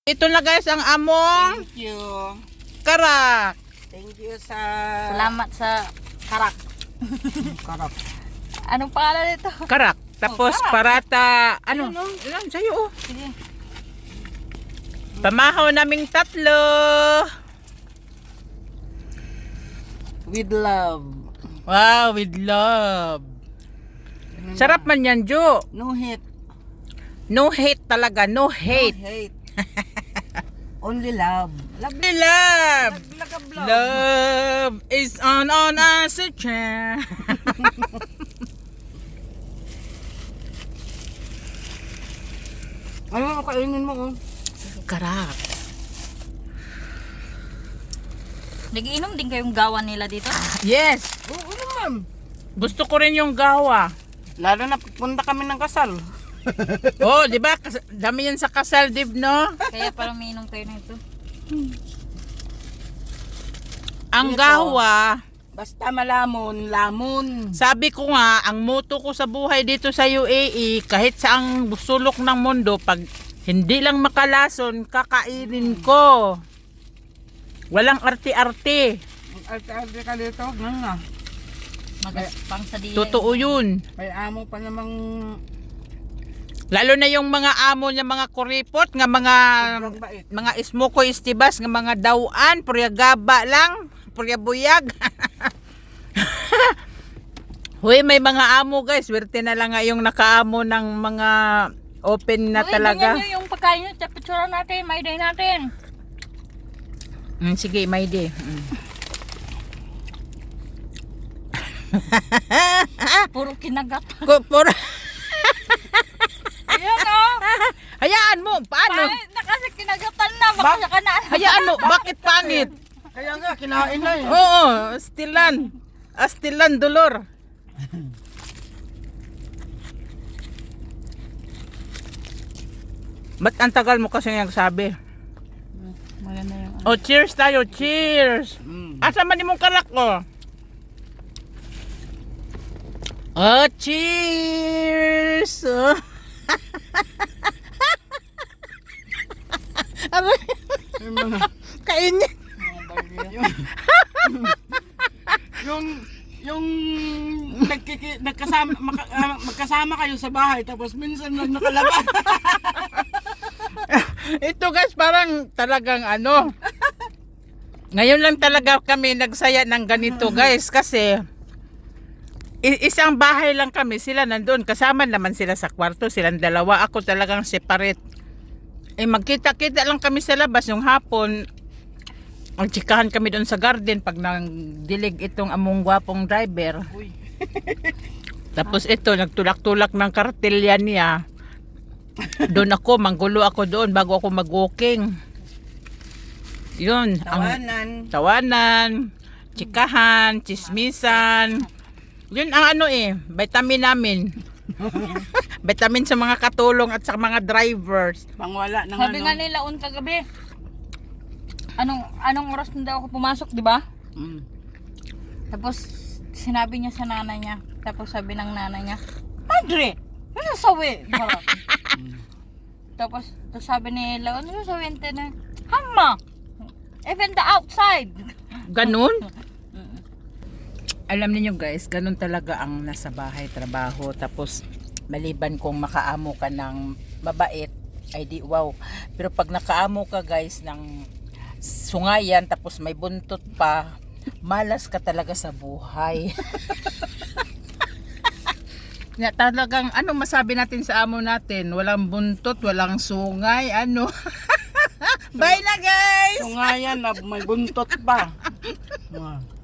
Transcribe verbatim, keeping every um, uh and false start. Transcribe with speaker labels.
Speaker 1: Ito na guys ang among
Speaker 2: Thank you.
Speaker 1: karak.
Speaker 2: Thank you sa...
Speaker 3: Salamat sa karak.
Speaker 2: Karap.
Speaker 3: Anong pangalan nito?
Speaker 1: Karak. Tapos
Speaker 3: Oh, karak.
Speaker 1: parata, ano?
Speaker 3: Ayun, oh.
Speaker 1: Ilan sa'yo oh.
Speaker 3: Sige.
Speaker 1: Pamahaw naming tatlo.
Speaker 2: With love.
Speaker 1: Wow, with love. Sarap man yan, Jo.
Speaker 2: No hate.
Speaker 1: No hate talaga, no hate.
Speaker 2: No hate. Only love. Love.
Speaker 1: Love.
Speaker 2: Love. Love.
Speaker 1: Love is on on us a chair.
Speaker 2: Ano mo kainin mo? Oh?
Speaker 1: Karak.
Speaker 3: Nagiinom din kayong gawan nila dito?
Speaker 1: Yes.
Speaker 2: Oo naman.
Speaker 1: Gusto ko rin yung gawa.
Speaker 2: Lalo na punta kami ng kasal.
Speaker 1: Oh, di ba? Kas- Dami yan sa kasal, Div, no?
Speaker 3: Kaya parang umiinom kayo na ito.
Speaker 1: Ang
Speaker 2: Ito.
Speaker 1: gawa,
Speaker 2: Basta malamon, lamon.
Speaker 1: sabi ko nga, ang motto ko sa buhay dito sa U A E, kahit saang sulok ng mundo, pag hindi lang makalason, kakainin ko. Walang arte-arte.
Speaker 2: Arte-arte ka dito. Ganun na.
Speaker 3: Magaspang sa diya.
Speaker 1: Totoo yun.
Speaker 2: May amo pa namang...
Speaker 1: Lalo na yung mga amo niya, mga kuripot, nga mga
Speaker 2: sobrang bait.
Speaker 1: mga ismoko istibas, nga mga dawan, purya gaba lang, purya buyag. Huy, may mga amo guys, swerte na lang nga yung nakaamo ng mga open na
Speaker 3: Uy,
Speaker 1: talaga.
Speaker 3: ganyan nyo yung pagkain nyo. Picture natin, may day natin.
Speaker 1: Mm, sige, may day. Mm.
Speaker 3: Puro kinagat.
Speaker 1: Ko- puro-
Speaker 3: Ayan o.
Speaker 1: Hayaan mo, paano?
Speaker 3: Pangit na kasi kinagatan na. Baka siya ka na.
Speaker 1: Hayaan mo, bakit pangit?
Speaker 2: Kaya nga, kinain na eh.
Speaker 1: Oo, stilan. Astilan dolor. Ba't ang tagal mo kasi nagsabi?
Speaker 3: Maganda yung
Speaker 1: Oh, cheers tayo, cheers.
Speaker 2: Mm.
Speaker 1: Asa man imong kalak ko? Oh, cheers. Oh. Aray,
Speaker 2: Yung mga...
Speaker 1: kainin.
Speaker 2: yung yung nagkiki, nagkasama maka, ah, magkasama kayo sa bahay tapos minsan lang nakalabas.
Speaker 1: Ito guys, parang talagang ano. Ngayon lang talaga kami nagsaya ng ganito guys kasi i- isang bahay lang kami, sila nandoon, kasama naman sila sa kwarto, silang dalawa, ako talagang separate. Eh magkita-kita lang kami sa labas yung hapon. Magtsikahan kami doon sa garden pag nang dilig itong among gwapong driver.
Speaker 2: Uy.
Speaker 1: Tapos ito, nagtulak-tulak ng kartelya niya. Doon ako, manggulo ako doon bago ako mag-walking. Yun. Ang
Speaker 2: Tawanan.
Speaker 1: tawanan, tsikahan, chismisan. Yun ang ano eh, vitamin namin. Vitamin sa mga katulong at sa mga drivers.
Speaker 2: Pangwala ng
Speaker 3: Sabi
Speaker 2: ano.
Speaker 3: nga nila un kagabi. Anong anong oras na daw ako pumasok, di ba?
Speaker 2: Mm.
Speaker 3: Tapos sinabi niya sa nanay niya. Tapos sabi ng nanay niya, Madre, ano sawi? Parang. Tapos, tapos sabi ni Laon, ano sawi na? Hama! Even the outside.
Speaker 1: Ganun? Alam niyo guys, ganun talaga ang nasa bahay, trabaho. Tapos maliban kung makaamo ka ng mabait, ay di wow. Pero pag nakaamo ka guys ng sungayan tapos may buntot pa, malas ka talaga sa buhay. Nga talagang ano masabi natin sa amo natin, walang buntot, walang sungay, ano. Bye na guys.
Speaker 2: So nga yan, na may buntot pa. Ah.